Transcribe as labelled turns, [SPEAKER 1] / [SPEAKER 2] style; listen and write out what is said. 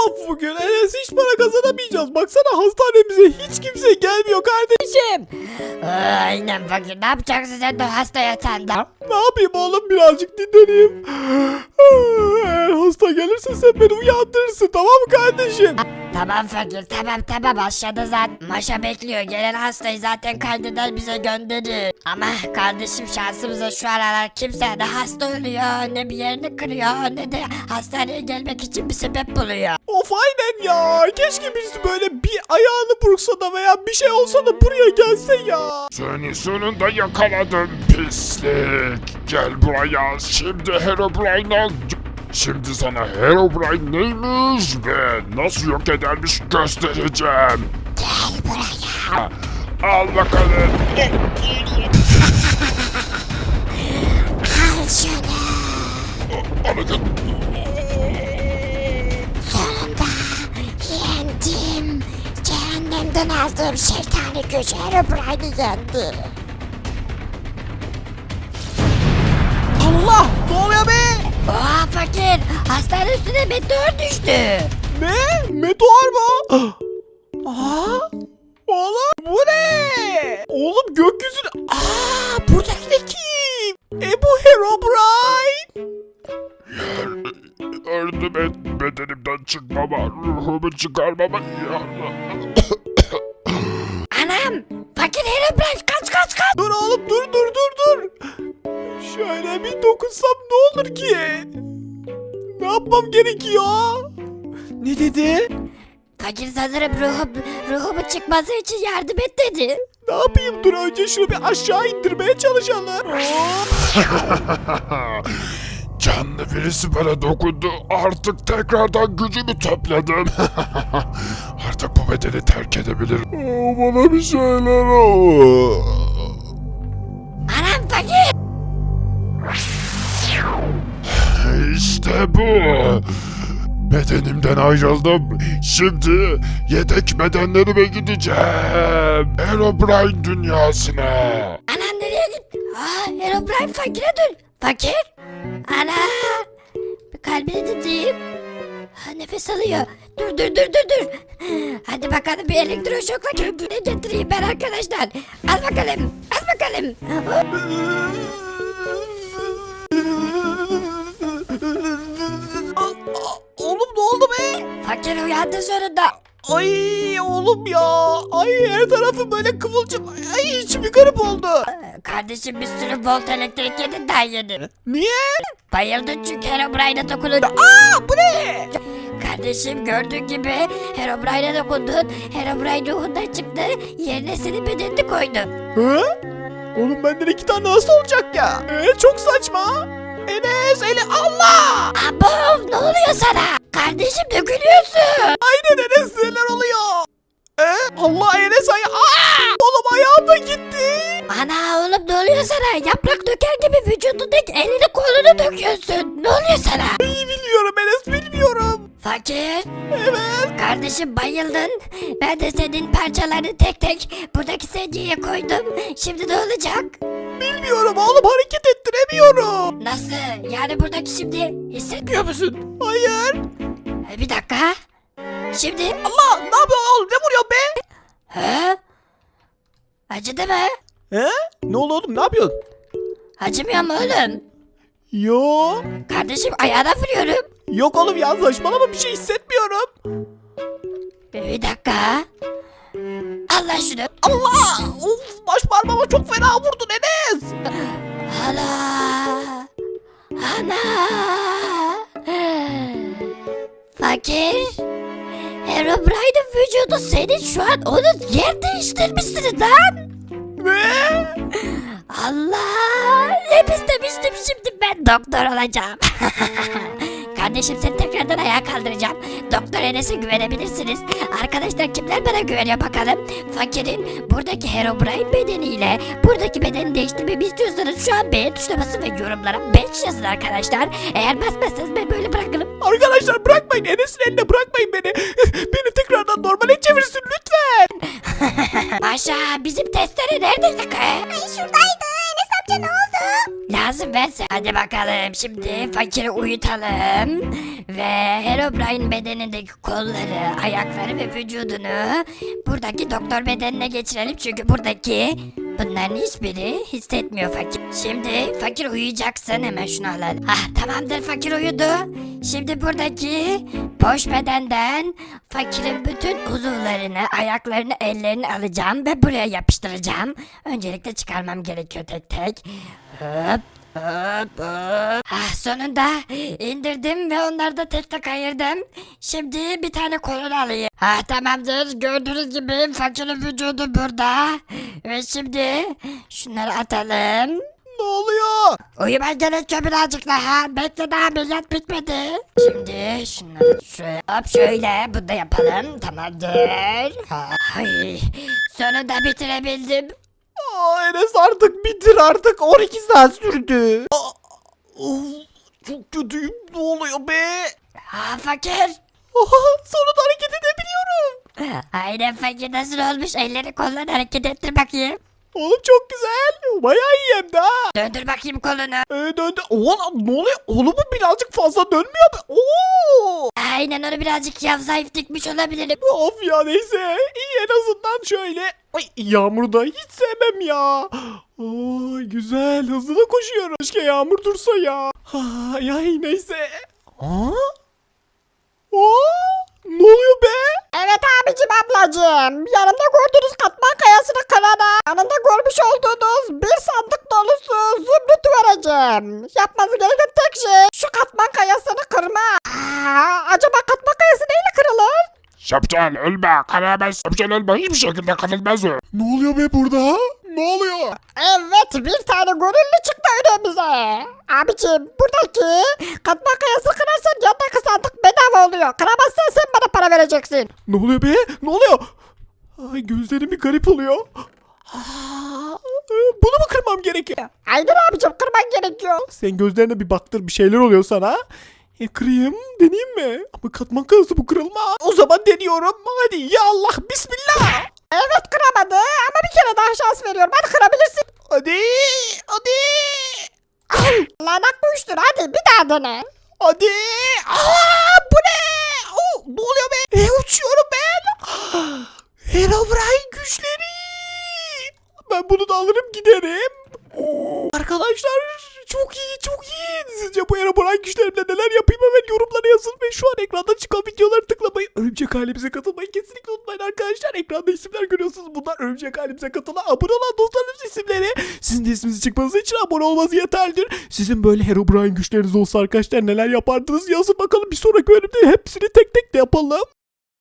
[SPEAKER 1] Of bugün Enes hiç para kazanamayacağız. Baksana hastanemize hiç kimse gelmiyor kardeşim.
[SPEAKER 2] Aynen fakir. Ne yapacaksın sen de hasta yatağında?
[SPEAKER 1] Ne yapayım oğlum birazcık dinleneyim. Eğer hasta gelirse sen beni uyandırırsın tamam mı kardeşim?
[SPEAKER 2] Tamam fakir, tamam aşağıda zaten Maşa bekliyor. Gelen hastayı zaten kaydeder bize gönderir. Ama kardeşim şansımıza şu aralar kimse ne hasta oluyor, ne bir yerini kırıyor, ne de hastaneye gelmek için bir sebep buluyor.
[SPEAKER 1] Of aynen ya. Keşke birisi böyle bir ayağını burksa da veya bir şey olsa da buraya gelse ya.
[SPEAKER 3] Seni sonunda yakaladım pislik. Gel buraya şimdi Herobrine'ı Şimdi sana Herobrine neymiş ve nasıl yok edermiş göstereceğim.
[SPEAKER 2] Gel buraya.
[SPEAKER 3] Al bakalım.
[SPEAKER 2] Al şunu.
[SPEAKER 3] Alın.
[SPEAKER 2] Sonunda yendim. Cehennemden aldığım şeytani gücü Herobrine'i yendi.
[SPEAKER 1] Allah ne oluyor be?
[SPEAKER 2] Oha fakir. Hastane üstüne meteor düştü.
[SPEAKER 1] Ne? Meteor mu? Aa! Oğlum bu ne? Oğlum gökyüzüne... buradaki de kim? Bu Herobrine.
[SPEAKER 3] Yardım et bedenimden çıkmama, ruhumu çıkarmama yardım.
[SPEAKER 2] Anam. Fakir Herobrine kaç.
[SPEAKER 1] Dur oğlum dur. Şöyle bir dokunsam ne olur ki? Ne yapmam gerekiyor? Ne dedi?
[SPEAKER 2] Fakir sanırım ruhumu çıkması için yardım et dedi.
[SPEAKER 1] Ne yapayım dur önce şunu bir aşağı indirmeye çalışalım.
[SPEAKER 3] Canlı birisi bana dokundu. Artık tekrardan gücümü topladım. Artık bu bedeni terk edebilirim. Bana bir şeyler ol.
[SPEAKER 2] Anam fakir.
[SPEAKER 3] İşte bu. Bedenimden ayrıldım. Şimdi yedek bedenlerime gideceğim. Herobrine dünyasına.
[SPEAKER 2] Anam nereye gitti? Herobrine fakire dön. Fakir. Ana. Bir kalbini tutayım. Nefes alıyor. Dur. Hadi bakalım bir elektroşokla kendine getireyim ben arkadaşlar. Al bakalım.
[SPEAKER 1] Oğlum ne oldu be?
[SPEAKER 2] Fakir uyandı sonunda.
[SPEAKER 1] Ay oğlum ya. Ay her tarafı böyle kıvılcım. Ay içim bir garip oldu.
[SPEAKER 2] Kardeşim bir sürü volt elektrik yedin daha yeni.
[SPEAKER 1] Niye?
[SPEAKER 2] Bayıldın çünkü Herobrine'e dokununca.
[SPEAKER 1] Bu ne?
[SPEAKER 2] Kardeşim gördüğün gibi Herobrine'e dokundun. Herobrine ruhundan çıktı. Yerine senin bedenini koydu.
[SPEAKER 1] Hı? Oğlum benden 2 tane nasıl olacak ya? Çok saçma. Enes Allah!
[SPEAKER 2] Abo ne oluyor sana? Kardeşim dökülüyorsun.
[SPEAKER 1] Aynen Enes neler oluyor? Allah Enes oğlum ayağım da gitti.
[SPEAKER 2] Ana oğlum ne oluyor sana? Yaprak döker gibi vücudundaki elini kolunu döküyorsun. Ne oluyor sana?
[SPEAKER 1] İyi biliyorum Enes bilmiyorum.
[SPEAKER 2] Fakir.
[SPEAKER 1] Evet.
[SPEAKER 2] Kardeşim bayıldın. Ben de senin parçalarını tek tek buradaki sedyeye koydum. Şimdi ne olacak?
[SPEAKER 1] Bilmiyorum oğlum hareket ettiremiyorum.
[SPEAKER 2] Nasıl? Yani buradaki şimdi hissetmiyor musun?
[SPEAKER 1] Hayır.
[SPEAKER 2] Bir dakika. Şimdi
[SPEAKER 1] Allah ne yapıyorsun oğlum ne vuruyorsun be?
[SPEAKER 2] He? Acıdı mı?
[SPEAKER 1] Ne oldu oğlum ne yapıyorsun?
[SPEAKER 2] Acımıyor mu oğlum?
[SPEAKER 1] Yo.
[SPEAKER 2] Kardeşim ayağına vuruyorum.
[SPEAKER 1] Yok oğlum ya saçmalama bir şey hissetmiyorum.
[SPEAKER 2] Bir dakika. Allah şunu.
[SPEAKER 1] Allah! Of baş parmağıma çok fena vurdun Enes.
[SPEAKER 2] Ana. Fakir. Herobrine'in vücudu senin şu an onun yer değiştirmişsiniz lan.
[SPEAKER 1] Ne?
[SPEAKER 2] Allah. Hep istemiştim şimdi ben doktor olacağım. Kardeşim seni tekrardan ayağa kaldıracağım. Doktor Enes'e güvenebilirsiniz. Arkadaşlar kimler bana güveniyor bakalım. Fakirin buradaki Herobrine bedeniyle buradaki bedeni değiştirmemi istiyorsanız şu an beğen tuşuna basın ve yorumlara 5 yazın arkadaşlar. Eğer basmazsanız ben böyle bırakırım.
[SPEAKER 1] Arkadaşlar bırakmayın Enes'in eline bırakmayın beni. Beni tekrardan normale çevirsin lütfen.
[SPEAKER 2] Maşa bizim testere neredeydi ki?
[SPEAKER 4] Ay şuradaydı. Enes amca ne oldu?
[SPEAKER 2] Lazım verse. Hadi bakalım şimdi fakiri uyutalım. Ve Herobrine bedenindeki kolları, ayakları ve vücudunu buradaki doktor bedenine geçirelim. Çünkü buradaki bunların hiçbiri hissetmiyor fakir. Şimdi fakir uyuyacaksın, hemen şunu alalım. Tamamdır, fakir uyudu. Şimdi buradaki boş bedenden fakirin bütün uzuvlarını, ayaklarını, ellerini alacağım ve buraya yapıştıracağım. Öncelikle çıkarmam gerekiyor tek tek. Hop. Hop hop. Sonunda indirdim ve onları da tek tek ayırdım. Şimdi bir tane kolunu alayım. Tamamdır. Gördüğünüz gibi fakirin vücudu burada. Ve şimdi şunları atalım.
[SPEAKER 1] Ne oluyor?
[SPEAKER 2] Uyuman gerekiyor birazcık daha. Bekle, daha ameliyat bitmedi. Şimdi şunları şöyle, hop şöyle bunu da yapalım. Tamamdır. Ay, sonunda bitirebildim.
[SPEAKER 1] Enes artık bitir artık. 12 saat sürdü. Of, çok kötüyüm. Ne oluyor be?
[SPEAKER 2] Fakir.
[SPEAKER 1] Sonunda hareket edebiliyorum.
[SPEAKER 2] Aynen fakir, nasıl olmuş? Elleri kolları hareket ettir bakayım.
[SPEAKER 1] Oğlum çok güzel. Bayağı iyi hem de ha.
[SPEAKER 2] Döndür bakayım kolunu.
[SPEAKER 1] Döndü. Oğlum ne oluyor? Oğlum bu birazcık fazla dönmüyor mu? Oo.
[SPEAKER 2] Aynen, onu birazcık zayıf dikmiş olabilirim.
[SPEAKER 1] Of ya, neyse. İyi, en azından şöyle. Ay, yağmuru da hiç sevmem ya. Ay güzel, hızlı da koşuyorum. Keşke yağmur dursa ya. Ay neyse. Ne oluyor be?
[SPEAKER 4] Evet abicim ablacım. Yanımda gördüğünüz katman kayasını kırana, yanında görmüş olduğunuz bir sandık dolusu zümrüt vereceğim. Yapmanız gereken tek şey şu katman kayasını kırma. Acaba katman kayası neyle kırılır?
[SPEAKER 3] Şapşal ölme, kanalamaz. Şapşal ölme, hiçbir şekilde kanılmaz o.
[SPEAKER 1] Ne oluyor be burada? Ne oluyor?
[SPEAKER 4] Evet, bir tane gönüllü çıktı önümüze. Abicim buradaki katman kayası kırarsan yandaki sandık bedava oluyor. Kıramazsan sen bana para vereceksin.
[SPEAKER 1] Ne oluyor be? Ne oluyor? Ay gözlerim bir garip oluyor. Bunu mu kırmam gerekiyor?
[SPEAKER 4] Aynen abicim, kırman gerekiyor.
[SPEAKER 1] Sen gözlerine bir baktır, bir şeyler oluyor sana. Kırayım, deneyeyim mi? Ama katman kayası bu, kırılma. O zaman deniyorum. Hadi ya Allah, bismillah.
[SPEAKER 4] Evet, kıramadı ama bir kere daha şans veriyorum. Hadi kırabilirsin.
[SPEAKER 1] Hadi.
[SPEAKER 4] Lanet uyuştur, hadi bir daha dene.
[SPEAKER 1] Hadi. Bu ne? Ne oluyor be? Uçuyorum ben. Herobrine güçleri. Ben bunu da alırım giderim. Arkadaşlar çok iyi, çok iyi. Sizce bu Herobrine güçlerimle neler yapayım, hemen yorumlara yazın ve şu an ekranda çıkan videoları tıklamayı, örümcek ailemize katılmayı kesinlikle unutmayın arkadaşlar. Ekranda isimler görüyorsunuz. Bunlar örümcek ailemize katılan, abone olan dostlarımız isimleri. Sizin de isminizi çıkmanız için abone olmanız yeterlidir. Sizin böyle Herobrine güçleriniz olsa arkadaşlar neler yapardınız yazın bakalım. Bir sonraki bölümde hepsini tek tek de yapalım.